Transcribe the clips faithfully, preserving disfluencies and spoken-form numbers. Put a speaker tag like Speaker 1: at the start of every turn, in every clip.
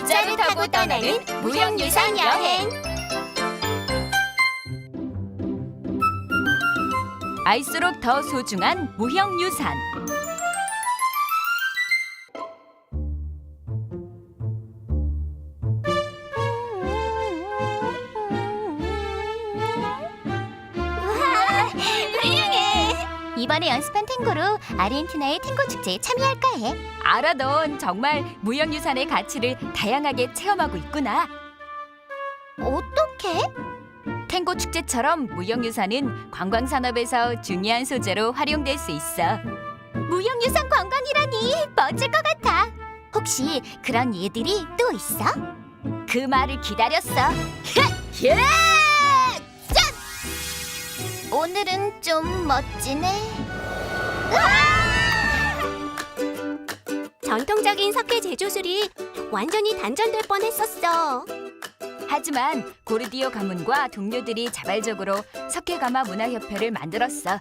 Speaker 1: 전자를 타고 떠나는 무형유산 여행.
Speaker 2: 알수록 더 소중한 무형유산.
Speaker 1: 우와, 훌륭해. 이번에 연습한 탱고로 아르헨티나의 탱고 축제에 참여할까 해.
Speaker 2: 알아, 넌 정말 무형유산의 가치를 다양하게 체험하고 있구나.
Speaker 1: 어떻게?
Speaker 2: 탱고 축제처럼 무형유산은 관광산업에서 중요한 소재로 활용될 수 있어.
Speaker 1: 무형유산 관광이라니 멋질 것 같아. 혹시 그런 예들이 또 있어?
Speaker 2: 그 말을 기다렸어.
Speaker 1: 예! 짠! 오늘은 좀 멋지네. 전통적인 석회 제조술이 완전히 단절될 뻔했었어.
Speaker 2: 하지만 고르디오 가문과 동료들이 자발적으로 석회가마 문화협회를 만들었어.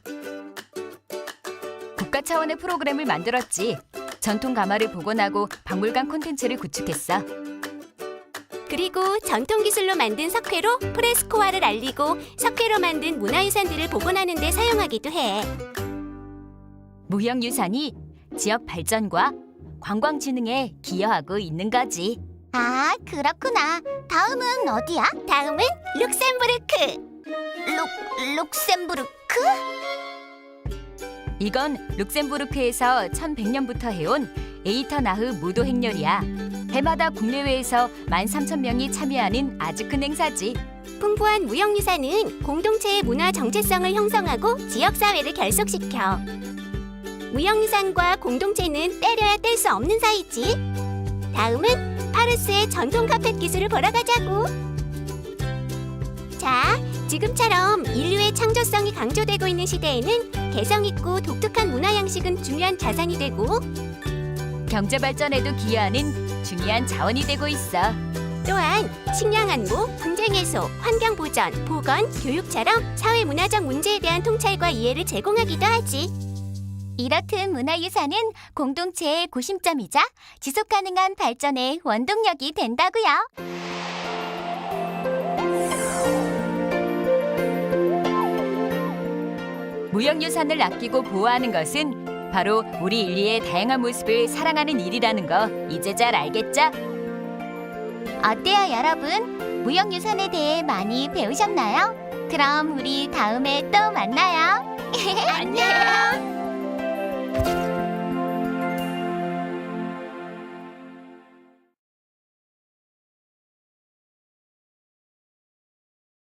Speaker 2: 국가 차원의 프로그램을 만들었지. 전통 가마를 복원하고 박물관 콘텐츠를 구축했어.
Speaker 1: 그리고 전통 기술로 만든 석회로 프레스코화를 알리고 석회로 만든 문화유산들을 복원하는 데 사용하기도 해.
Speaker 2: 무형유산이 지역 발전과 관광 진흥에 기여하고 있는 거지.
Speaker 1: 아, 그렇구나. 다음은 어디야? 다음은 룩셈부르크. 룩, 룩셈부르크?
Speaker 2: 이건 룩셈부르크에서 천백 년부터 해온 에이터나흐 무도 행렬이야. 해마다 국내외에서 만 삼천 명이 참여하는 아주 큰 행사지.
Speaker 1: 풍부한 무형유산은 공동체의 문화 정체성을 형성하고 지역사회를 결속시켜. 무형유산과 공동체는 때려야 뗄 수 없는 사이지. 다음은 파르스의 전통 카펫 기술을 보러 가자고. 자, 지금처럼 인류의 창조성이 강조되고 있는 시대에는 개성 있고 독특한 문화 양식은 중요한 자산이 되고
Speaker 2: 경제 발전에도 기여하는 중요한 자원이 되고 있어.
Speaker 1: 또한 식량 안보, 분쟁 해소, 환경 보전, 보건, 교육처럼 사회 문화적 문제에 대한 통찰과 이해를 제공하기도 하지. 이렇듯 문화유산은 공동체의 고심점이자 지속 가능한 발전의 원동력이 된다고요.
Speaker 2: 무형유산을 아끼고 보호하는 것은 바로 우리 인류의 다양한 모습을 사랑하는 일이라는 거 이제 잘 알겠죠?
Speaker 1: 어때요, 여러분? 무형유산에 대해 많이 배우셨나요? 그럼 우리 다음에 또 만나요. 안녕.